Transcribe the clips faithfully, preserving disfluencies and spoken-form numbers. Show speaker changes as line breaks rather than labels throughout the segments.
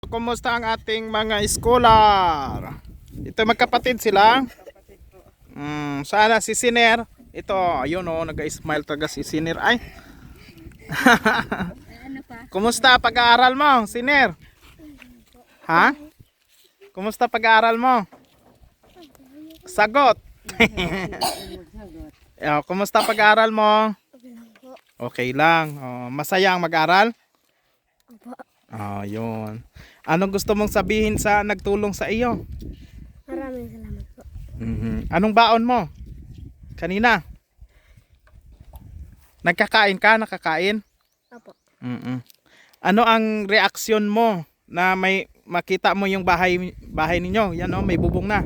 Kumusta ang ating mga scholar? Ito magkapatid sila. Mm, sana si Siner. Ito, ayun oh, nag-smile talaga si Siner. Ay. Kumusta pag-aaral mo, Siner? Ha? Kumusta pag-aaral mo? Sagot. Yo, kumusta pag-aaral mo? Okay lang. Oh, masaya ang mag-aral? Oh, yun. Anong gusto mong sabihin sa nagtulong sa iyo?
Maraming salamat po.
Mm-hmm. Anong baon mo? Kanina? Nagkakain ka? Nakakain?
Opo.
Mm-hmm. Ano ang reaksyon mo na may makita mo yung bahay bahay ninyo? Yan oh, may bubong na.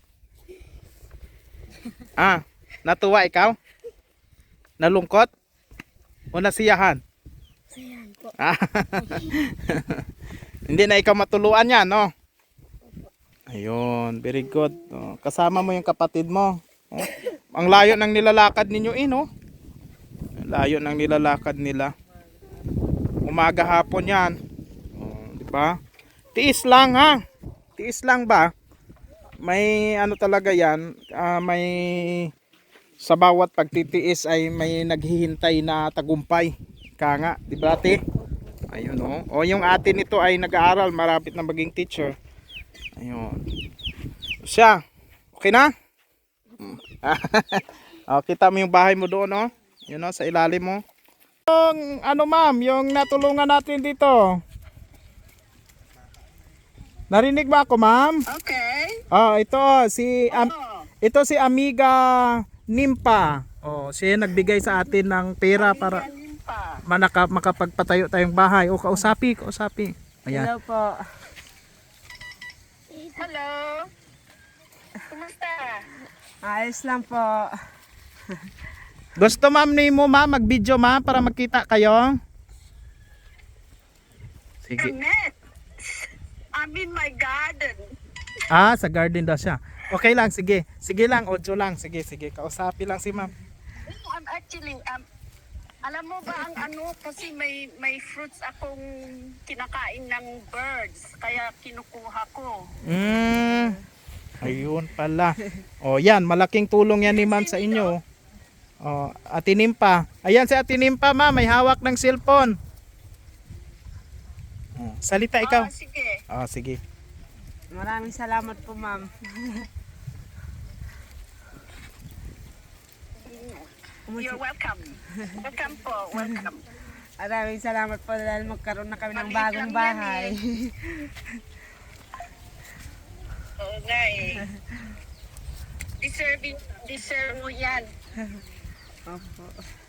Ah, natuwa ikaw? Nalungkot? O nasiyahan?
Sayan po.
Ah. Hindi na ikaw matuluan yan, no? Ayun, very good. Oh, kasama mo yung kapatid mo. Oh, ang layo ng nilalakad ninyo, eh, no? Layo ng nilalakad nila. Umaga hapon yan. Oh, di ba? Tiis lang, ha? Tiis lang ba? May ano talaga yan, uh, may sa bawat pagtitiis ay may naghihintay na tagumpay. Kaya nga, di ba, ate? Ayun oh. O yung atin nito ay nag-aaral, marapit na maging teacher. Ayun. Siya. Okay na? O, kita mo yung bahay mo doon, oh. Yun oh, sa ilalim mo. Yung ano ma'am, yung natulungan natin dito. Narinig ba ako, ma'am?
Okay.
Oh, ito si um, ito si Amiga Nimpa. Oh, siya nagbigay sa atin ng pera para manaka, makapagpatayo tayong bahay. O, kausapi, kausapi. Ayan.
Hello po.
Hello. Kumusta?
Ayos lang po.
Gusto ma'am ni mo ma'am mag-video ma'am para magkita kayo? Sige.
Net. I'm in my garden.
Ah, sa garden daw siya. Okay lang, sige. Sige lang, audio lang. Sige, sige. Kausapi lang si ma'am.
I'm actually, um, alam mo ba ang ano, kasi may may fruits akong kinakain ng birds, kaya kinukuha ko.
Mm. Ayun pala. O yan, malaking tulong yan ni ma'am sa inyo. O, Ate Nimpa. Ayan si Ate Nimpa ma'am, may hawak ng cellphone. O, salita ikaw.
Ah, sige.
O, sige.
Maraming salamat po, ma'am.
You're welcome. Welcome po, welcome.
Maraming salamat po dahil magkaroon na kami ng
Maliit
bagong
lang yan
bahay.
Oo nga eh. Deserve, deserve mo yan.
Opo.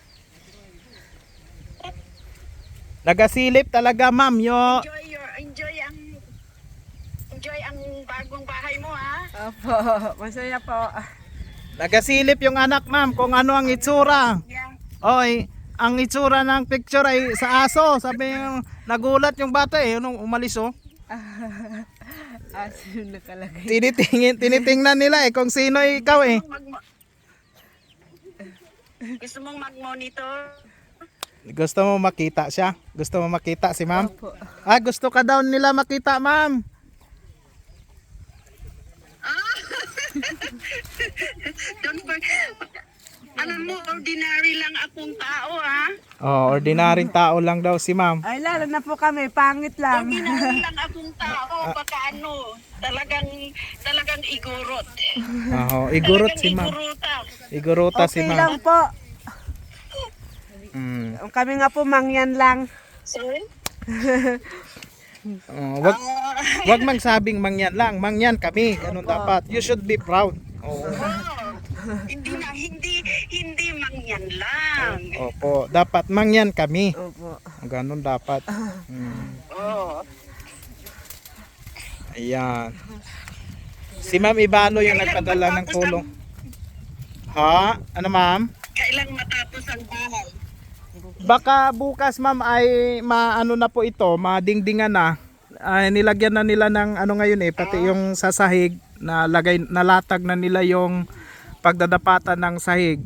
Nagasilip talaga ma'am yo.
Enjoy your, enjoy ang, enjoy ang bagong bahay mo ha.
Opo. Masaya po.
Nagasilip yung anak ma'am kung ano ang itsura.
Yeah.
Oy, ang itsura ng picture ay sa aso. Sabi yung nagulat yung bata eh nung umalis oh.
Aso nakalagay.
Tinitingin, tinitingnan nila eh kung sino ikaw eh.
Mag- Gusto mong mag-monitor?
Gusto mo makita siya? Gusto mo makita si ma'am?
Opo.
Ah, gusto ka daw nila makita ma'am.
Don't forget. Alam mo, ordinary lang akong tao ha.
Oh, ordinaryong tao lang daw si ma'am.
Ay, lalo na po kami. Pangit lang.
Ordinary lang akong tao. Baka ano, talagang, talagang igurot.
Oo, igurot
Talagang
si ma'am.
iguruta.
Igurota si
Okay
ma'am.
lang po.
Mm.
Kami nga po mangyan lang.
Sorry?
Oh, wag wag mang sabing mangyan lang, mangyan kami. Ganun dapat. You should be proud. Oo.
Oh, hindi na, hindi, hindi mangyan lang.
Opo, dapat mangyan kami.
Opo.
Ganun dapat. Mm.
Oh.
Ayan. Si Ma'am Ibano yung nagpadala ng tulong. Ha? Ano ma'am?
Kailang matapos ang bahay.
Baka bukas ma'am ay maano na po ito, madingdingan na. Ay, nilagyan na nila ng ano ngayon eh, pati yung sa sahig na lagay nalatag na nila yung pagdadapatan ng sahig.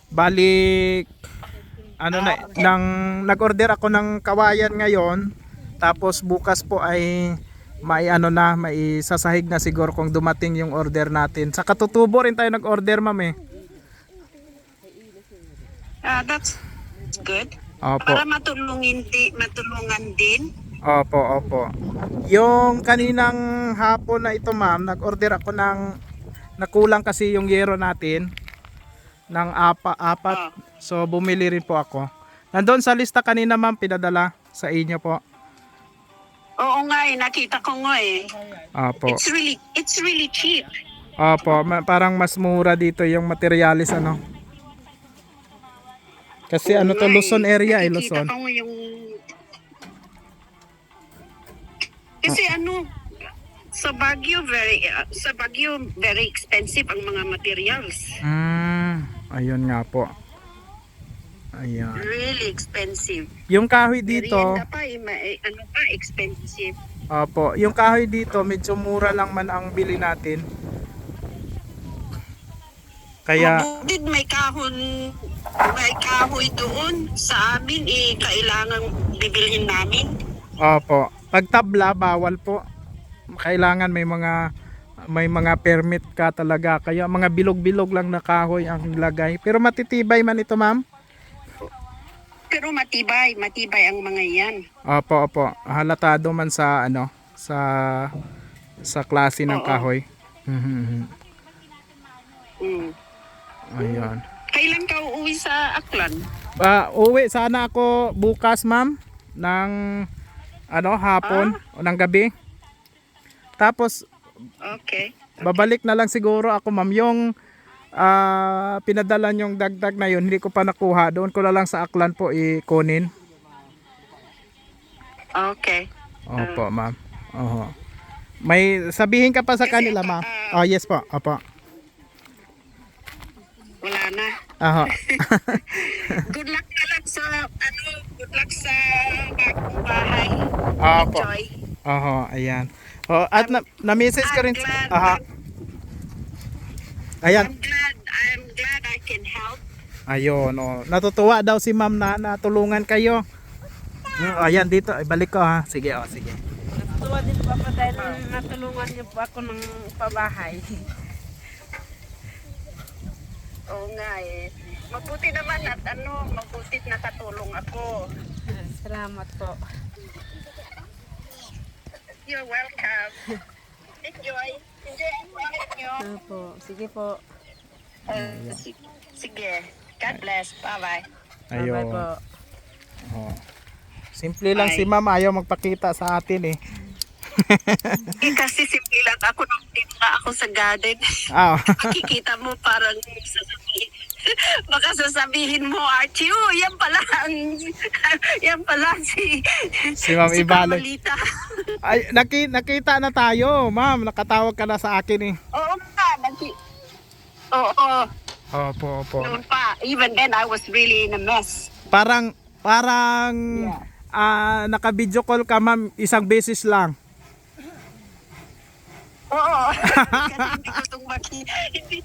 Balik ano na nang nag-order ako ng kawayan ngayon, Tapos bukas po ay may ano na, may sasahig na siguro kung dumating yung order natin. Sa katutubo rin tayo nag-order, ma'am eh.
Ah, that's good.
Opo.
Para matulungin di, matulungan din.
Opo, opo. Yung kaninang hapon na ito, ma'am, nag-order ako ng nakulang kasi yung yero natin ng apa, apat.
Ah.
So bumili rin po ako. Nandun sa lista kanina, ma'am, pinadala sa inyo po.
Oo nga eh, nakita ko nga eh.
Opo.
It's really, it's really cheap.
Opo, ma- parang mas mura dito yung materialis ano. Kasi ano to,
Oo nga
Luzon
eh.
area eh,
Nakikita
Luzon.
ko nga yung... Kasi ano, sa Baguio very uh, sa Baguio very expensive ang mga materials.
Mm, ayun nga po. Ayan.
Really expensive.
Yung kahoy dito,
Merienda pa, eh, ma- eh, ano pa, expensive.
opo, yung kahoy dito medyo mura lang man ang bili natin. Kaya
Mabudid, may kahon, may kahoy doon sa amin, eh, kailangan bibilhin namin.
opo, pag tabla bawal po. Kailangan may mga may mga permit ka talaga. Kaya mga bilog-bilog lang na kahoy ang lagay. Pero matitibay man ito, ma'am.
Pero matibay, matibay ang mga yan.
Opo, opo. Halatado man sa ano, sa sa klase ng
Oo.
kahoy. Mhm.
Mm.
Ayun.
Kailan ka uuwi sa Aklan?
Ah, uwi sana ako bukas, ma'am, ng ano, hapon o ng gabi. Tapos
Okay.
babalik na lang siguro ako, ma'am, yung ah, pinadala yung dagdag na yun, hindi ko pa nakuha. Doon ko na lang sa Aklan po ikunin.
Okay.
Opo, ma'am. Oho. May sabihin ka pa sa
Kasi,
kanila, ma'am?
ah,
Oh, yes po. Opo.
Wala na.
Oho.
Good luck na lang sa, ano, good luck sa bagong bahay.
Opo.
Enjoy.
Oho, ayan. Oh, at na, na-message ko rin.
I'm glad.
Aha. Ayan.
I'm glad, I'm glad I can help.
Ayun, oh. Natutuwa daw si ma'am na natulungan kayo. Mm, ayan, dito. Ibalik ko ha. Sige, oh, sige.
Natuwa din po ako dahil natulungan niyo po ako ng pabahay.
Oo nga eh. Mabuti naman at ano, mabutit nakatulong ako.
Salamat po.
You're welcome. Enjoy. Enjoy ang buhay niyo.
Opo, sige po.
Uh, si- sige. God bless. Bye-bye.
Bye-bye
Ayun.
po.
Oh. Simple lang
Bye.
si ma'am, ayaw magpakita sa atin eh.
Eh, kasi simple lang ako nung tinga ako sa garden.
Ah,
Makikita mo parang sasabihin. Baka sasabihin mo, Archie, oh, yan pala ang, yan pala si,
Si Ma'am
si
Ibaloy.
Carmelita.
ay, naki, nakita na tayo, ma'am. Nakatawag ka na sa akin eh.
Oo nga, nagki... Oo,
Opo, opo.
noon pa. Even then, I was really in a mess.
Parang, parang,
Yeah.
ah, naka-video call ka, ma'am, isang beses lang.
Oo. Kasi hindi ko itong maki... Hindi...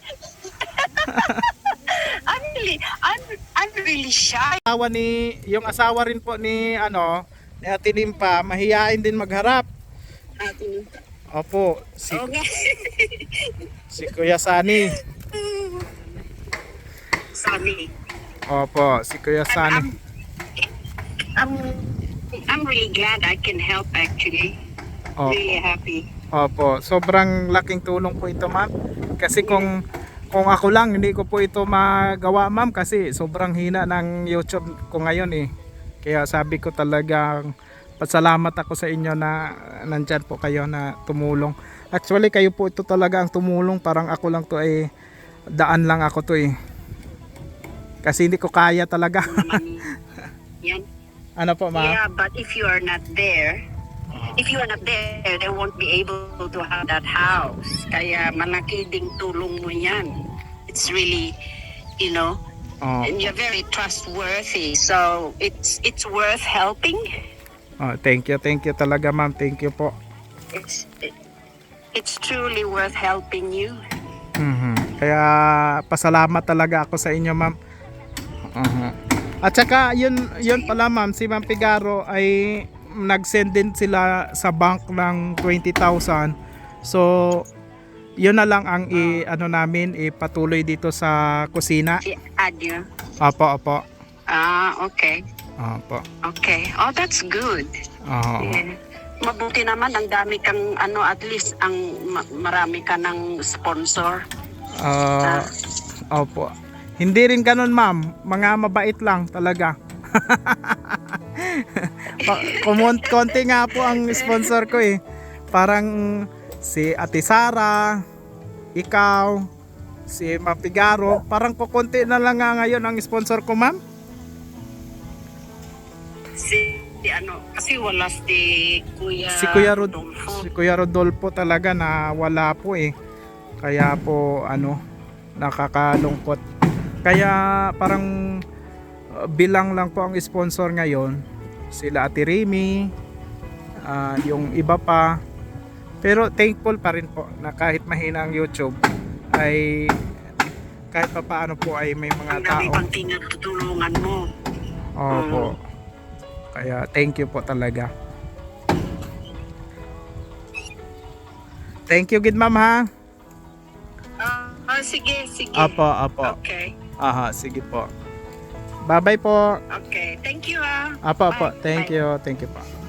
I'm really, I'm, I'm really shy.
Asawa ni, yung asawa rin po ni, ano, ni Ate Limpa, mahihain din magharap.
Atin.
Opo, si,
Oo nga.
si Kuya Sani.
Sorry.
Opo, si Kuya Sani.
I'm, I'm really glad I can help actually.
Opo.
Really happy.
Opo, sobrang laking tulong po ito, ma'am. Kasi kung kung ako lang, hindi ko po ito magawa, ma'am, kasi sobrang hina ng YouTube ko ngayon eh. Kaya sabi ko talagang pasalamat ako sa inyo na nandyan po kayo na tumulong. Actually, kayo po ito talaga ang tumulong. Parang ako lang to eh, daan lang ako to eh. Kasi hindi ko kaya talaga.
Naman yan.
Ano po, ma'am?
Yeah, but if you are not there, if you are not there, they won't be able to have that house. Kaya malaki ding tulong mo yan. It's really, you know,
Oh,
and you're very trustworthy. So it's it's worth helping.
oh, thank you, thank you talaga, ma'am. Thank you po.
It's it, it's truly worth helping you.
Mhm. Kaya pasalamat talaga ako sa inyo, ma'am. Uh-huh. At saka yun yun pala, ma'am, si Ma'am Figaro ay nag-send din sila sa bank ng twenty thousand. So, yun na lang ang i, ano namin, ipatuloy dito sa kusina.
I-add you.
Opo, opo.
Ah, okay.
Opo.
Okay. Oh, that's good.
Oo.
Yeah. Mabuti naman, ang dami kang, ano, at least, ang ma- marami ka ng sponsor.
Ah, opo. Hindi rin ganun, ma'am. Mga mabait lang talaga. Pa- kumun- konti nga po ang sponsor ko eh. Parang si Ate Sara, ikaw, si Mapigaro, parang kukunti na lang nga ngayon ang sponsor ko, ma'am.
Si, si ano, kasi wala si Kuya
Si Kuya Rod
Rodolfo.
si Kuya Rodolfo talaga na wala po eh. Kaya po ano, nakakalungkot. Kaya parang uh, bilang lang po ang sponsor ngayon, sila Ate Remy, ah, yung iba pa. Pero thankful pa rin po na kahit mahina ang YouTube ay kahit pa paano po ay may mga
Ang dami
tao.
pang tinutulungan mo.
Opo. Kaya thank you po talaga. Thank you gid ma'am ha.
Ah, ah, sige, sige.
Apo, apo.
Okay.
Aha, sige po. Bye-bye po.
Okay. Thank you, ah.
Apo, apo.
Bye.
Thank
Bye.
you. Thank you po.